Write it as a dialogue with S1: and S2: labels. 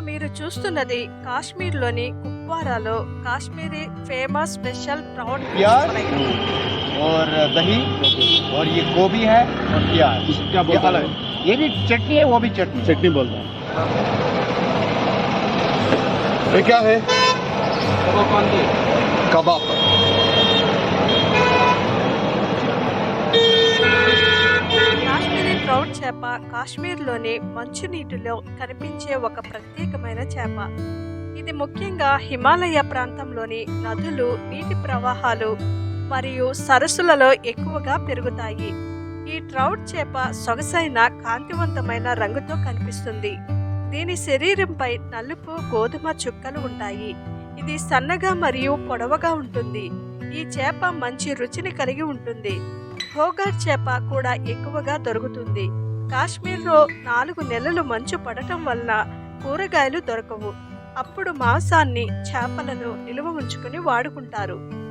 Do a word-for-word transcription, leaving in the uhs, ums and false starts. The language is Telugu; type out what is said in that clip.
S1: మీరు చూస్తున్నది కాశ్మీర్లోని కుప్వారాలో Kashmiri famous special prawn fish
S2: प्याज
S1: ఫ్రై.
S2: और दही और ये गोभी है और प्याज
S3: इसको क्या
S2: ये
S3: बोलते
S2: अलग
S3: हैं?
S2: ये भी चटनी है, वो भी चटनी है।
S3: चटनी बोलते हैं। ये क्या है? कबाब।
S1: కాశ్మీరీ ట్రౌట్ చేప కాశ్మీర్లోని మంచునీటిలో కనిపించే ఒక ప్రత్యేకమైన చేప. ఇది ముఖ్యంగా హిమాలయ ప్రాంతంలోని నదులు, నీటి ప్రవాహాలు మరియు సరస్సులలో ఎక్కువగా పెరుగుతాయి. ఈ ట్రౌట్ చేప సొగసైన కాంతివంతమైన రంగుతో కనిపిస్తుంది. దీని శరీరంపై నలుపు, గోధుమ చుక్కలు ఉంటాయి. ఇది సన్నగా మరియు పొడవుగా ఉంటుంది. ఈ చేప మంచి రుచిని కలిగి ఉంటుంది. హోగర్ చేప కూడా ఎక్కువగా దొరుకుతుంది. కాశ్మీర్లో నాలుగు నెలలు మంచు పడటం వలన కూరగాయలు దొరకవు. అప్పుడు మాంసాన్ని, చేపలను నిల్వ ఉంచుకుని వాడుకుంటారు.